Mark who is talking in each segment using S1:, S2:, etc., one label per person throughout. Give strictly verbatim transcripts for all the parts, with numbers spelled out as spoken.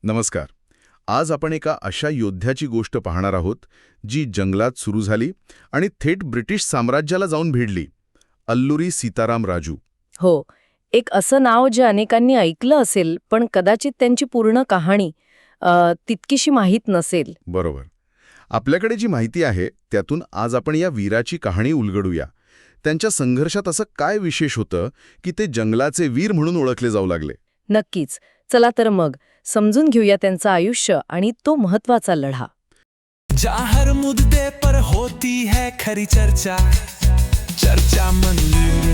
S1: नमस्कार. आज आपण एका अशा योद्ध्याची गोष्ट पाहणार आहोत जी जंगलात सुरू झाली आणि थेट ब्रिटिश साम्राज्याला जाऊन भिडली. अल्लुरी सीताराम राजू.
S2: हो, एक असं नाव जे अनेकांनी ऐकलं असेल पण कदाचित त्यांची पूर्ण कहाणी अ, तितकीशी माहीत नसेल.
S1: बरोबर. आपल्याकडे जी माहिती आहे त्यातून आज आपण या वीराची कहाणी उलगडूया. त्यांच्या संघर्षात असं काय विशेष होतं की ते जंगलाचे वीर म्हणून ओळखले जाऊ लागले?
S2: नक्कीच. चला तर मग समजून घेऊया त्यांचं आयुष्य आणि तो महत्वाचा लढा.
S3: जहाँ हर मुद्दे पर होती है खरी चर्चा, चर्चा मंदिर.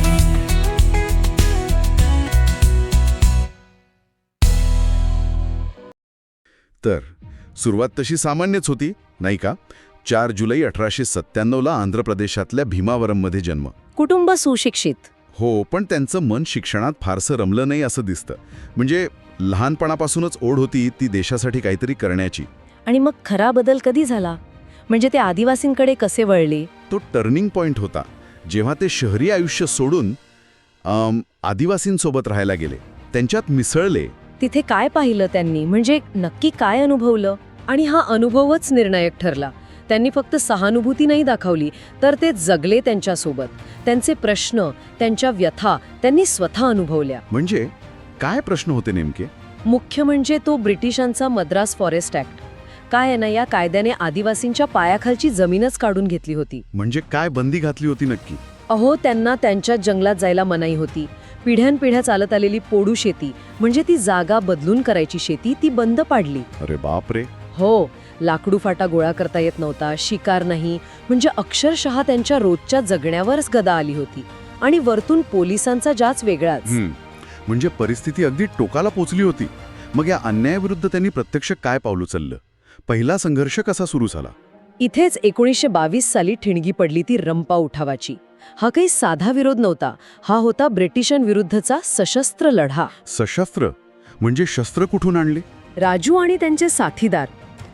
S1: तर सुरुवात तशी सामान्यच होती, नाही का? चार जुलै अठराशे सत्त्याण्णवला आंध्र प्रदेशातल्या भीमावरममध्ये जन्म.
S2: कुटुंब सुशिक्षित.
S1: हो, पण त्यांचं मन शिक्षणात फारसं रमलं नाही असं दिसतं. म्हणजे लहानपणापासूनच ओढ होती ती देशासाठी काहीतरी करण्याची.
S2: आणि मग खरा बदल कधी झाला? म्हणजे ते आदिवासींकडे कसे वळले?
S1: तो टर्निंग पॉइंट होता जेव्हा ते शहरी आयुष्य सोडून अम, आदिवासींसोबत राहायला गेले, त्यांच्यात मिसळले.
S2: तिथे काय पाहिलं त्यांनी? म्हणजे नक्की काय अनुभवलं? आणि हा अनुभवच निर्णायक ठरला. त्यांनी फक्त सहानुभूती नाही दाखवली, तर ते जगले त्यांच्यासोबत. त्यांचे प्रश्न, त्यांच्या व्यथा त्यांनी स्वतः अनुभवल्या.
S1: म्हणजे काय प्रश्न होते नेमके?
S2: मुख्य म्हणजे तो ब्रिटिशांचा मद्रास फॉरेस्ट ॲक्ट. काय आहे ना, या कायद्याने आदिवासींच्या पायाखालची जमीनच काढून घेतली होती.
S1: म्हणजे काय बंदी घातली होती नक्की?
S2: अहो, त्यांना त्यांच्या जंगलात जायला मनाई होती. पिढ्यानपिढ्या चालत आलेली पोडू शेती, म्हणजे ती जागा बदलून करायची शेती, ती बंद पाडली.
S1: अरे बापरे.
S2: हो, लाकडू फाटा गोळा करता येत नव्हता, शिकार नाही. म्हणजे अक्षरशः त्यांच्या रोजच्या जगण्यावरच गदा आली होती. आणि वरतून पोलिसांचा जाच वेगळाच.
S1: हम्म. म्हणजे परिस्थिती अगदी टोकाला पोचली होती. मग या अन्यायाविरुद्ध त्यांनी प्रत्यक्ष काय पाऊल उचललं? पहिला संघर्ष कसा सुरू झाला?
S2: इथेच एकोणीसशे बावीस साली ठिणगी पडली ती रंपा उठावाची. हा काही साधा विरोध नव्हता. हा होता ब्रिटिशांविरुद्धचा सशस्त्र लढा.
S1: सशस्त्र म्हणजे शस्त्र कुठून आणले?
S2: राजू आणि त्यांचे साथीदार,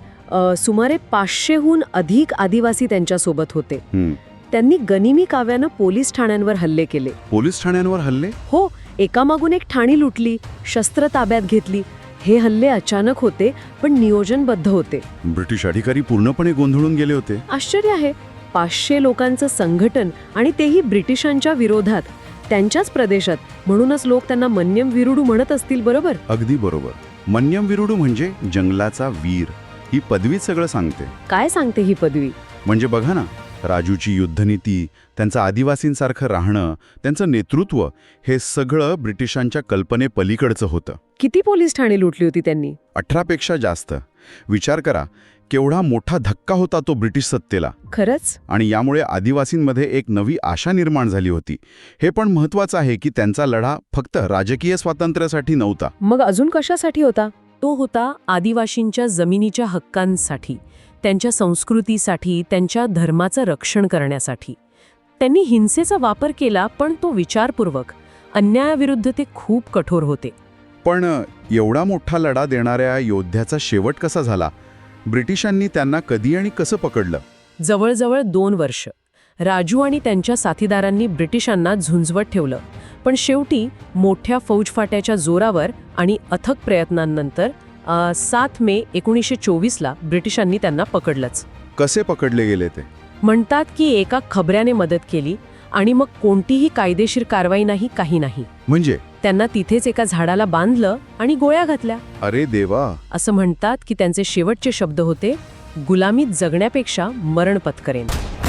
S2: अ, सुमारे पाचशेहून अधिक आदिवासी त्यांच्यासोबत होते.
S1: हम्म.
S2: त्यांनी गनिमी काव्यानं पोलीस ठाण्यांवर हल्ले केले.
S1: पोलीस ठाण्यांवर हल्ले?
S2: हो, एकामागून एक ठाणी लुटली, शस्त्र ताब्यात घेतली. हे हल्ले अचानक होते पण नियोजनबद्ध होते.
S1: ब्रिटिश अधिकारी पूर्णपणे गोंधळून गेले होते.
S2: आश्चर्य आहे, पाचशे लोकांचं संघटन आणि तेही ब्रिटिशांच्या विरोधात, त्यांच्याच प्रदेशात. म्हणूनच लोक त्यांना मन्यम विरुडू म्हणत असतील, बरोबर?
S1: अगदी बरोबर. मन्यम विरुडू म्हणजे जंगलाचा वीर. ही पदवी सगळं सांगते.
S2: काय सांगते ही पदवी?
S1: म्हणजे बघा ना, राजूची युद्धनीती, त्यांचं आदिवासींसारखं राहणं, त्यांचं नेतृत्व, हे सगळं ब्रिटिशांच्या कल्पनेपलीकडचं होतं.
S2: किती पोलीस ठाणे लुटली होती त्यांनी?
S1: अठरापेक्षा जास्त. विचार करा, केवढा मोठा धक्का होता तो ब्रिटिश सत्तेला.
S2: खरंच.
S1: आणि यामुळे आदिवासींमध्ये एक नवी आशा निर्माण झाली होती. हे पण महत्त्वाचं आहे की त्यांचा लढा फक्त राजकीय स्वातंत्र्यासाठी नव्हता.
S2: मग अजून कशासाठी होता? तो होता आदिवासींच्या जमिनीच्या हक्कांसाठी, त्यांच्या संस्कृतीसाठी, त्यांच्या धर्माचं रक्षण करण्यासाठी. त्यांनी हिंसेचा वापर केला पण तो विचारपूर्वक. अन्यायाविरुद्ध ते खूप कठोर होते.
S1: पण एवढा मोठा लढा देणाऱ्या योद्ध्याचा शेवट कसा झाला? ब्रिटिशांनी त्यांना कधी आणि कसं पकडलं?
S2: जवळजवळ दोन वर्ष राजू आणि त्यांच्या साथीदारांनी ब्रिटिशांना झुंजवत ठेवलं. पण शेवटी मोठ्या फौजफाट्याच्या जोरावर आणि अथक प्रयत्नांनंतर अ, सात मे एकोणीसशे चोवीसला ब्रिटिशांनी त्यांना पकडलंच.
S1: कसे पकडले गेले ते?
S2: म्हणतात की एका खबऱ्याने मदत केली आणि मग कोणतीही कायदेशीर कारवाई नाही, काही नाही.
S1: म्हणजे
S2: त्यांना तिथेच एका झाडाला बांधलं आणि गोळ्या घातल्या.
S1: अरे देवा.
S2: असं म्हणतात की त्यांचे शेवटचे शब्द होते, गुलामीत जगण्यापेक्षा मरण पत्करेन.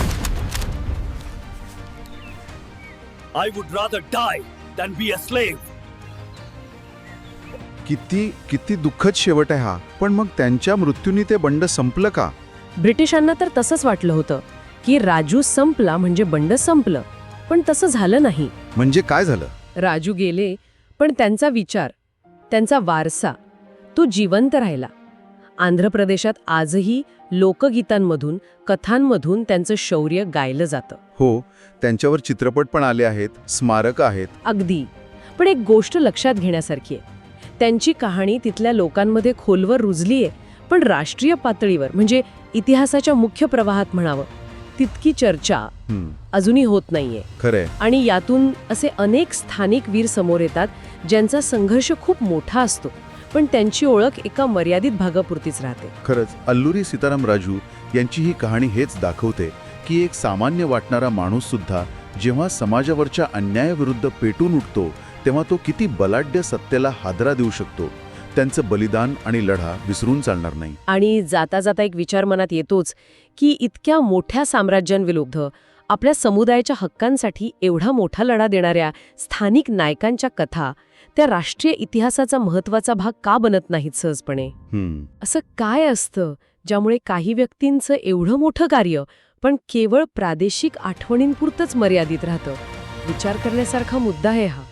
S3: I would rather die than be a slave.
S1: किती किती दुःखद शेवट आहे हा. पण मग त्यांच्या मृत्यूने ते बंड संपलं का?
S2: ब्रिटिशांना तर तसंच वाटलं होतं की राजू संपला म्हणजे बंड संपलं. पण तसं झालं नाही.
S1: म्हणजे काय झालं?
S2: राजू गेले पण त्यांचा विचार, त्यांचा वारसा, तो जिवंत राहिला. आंध्र प्रदेशात आजही लोकगीतांमधून, कथांमधून त्यांचं शौर्य गायलं जातं.
S1: हो, त्यांच्यावर चित्रपट पण आले आहेत, स्मारक आहेत.
S2: अगदी. पण एक गोष्ट लक्षात घेण्यासारखी आहे, त्यांची कहाणी तिथल्या लोकांमध्ये खोलवर रुजली आहे, पण राष्ट्रीय पातळीवर म्हणजे इतिहासाच्या मुख्य प्रवाहात म्हणावं तितकी चर्चा अजूनही होत नाहीये.
S1: खरंय.
S2: आणि यातून असे अनेक स्थानिक वीर समोर येतात ज्यांचा संघर्ष खूप मोठा असतो, पण त्यांची ओळख एका मर्यादित भागापुरतीच राहते.
S1: खरंच अल्लुरी सीताराम राजू यांची ही कहाणी हेच दाखवते की एक सामान्य वाटणारा माणूस सुद्धा जेव्हा समाजावरच्या अन्यायाविरुद्ध पेटून उठतो तेव्हा तो किती बलाढ्य सत्तेला हादरा देऊ शकतो. त्यांचं बलिदान आणि लढा विसरून चालणार नाही.
S2: आणि जाता जाता एक विचार मनात येतोच की इतक्या मोठ्या साम्राज्यांविरुद्ध आपल्या समुदायाच्या हक्कांसाठी एवढा मोठा लढा देणाऱ्या स्थानिक नायकांच्या कथा त्या राष्ट्रीय इतिहासाचा महत्त्वाचा भाग का बनत नाहीत सहजपणे?
S1: हम्म
S2: असं काय असतं ज्यामुळे काही व्यक्तींचं एवढं मोठं कार्य पण केवळ प्रादेशिक आठवणींपुरतंच मर्यादित राहतं? विचार करण्यासारखा मुद्दा आहे हा.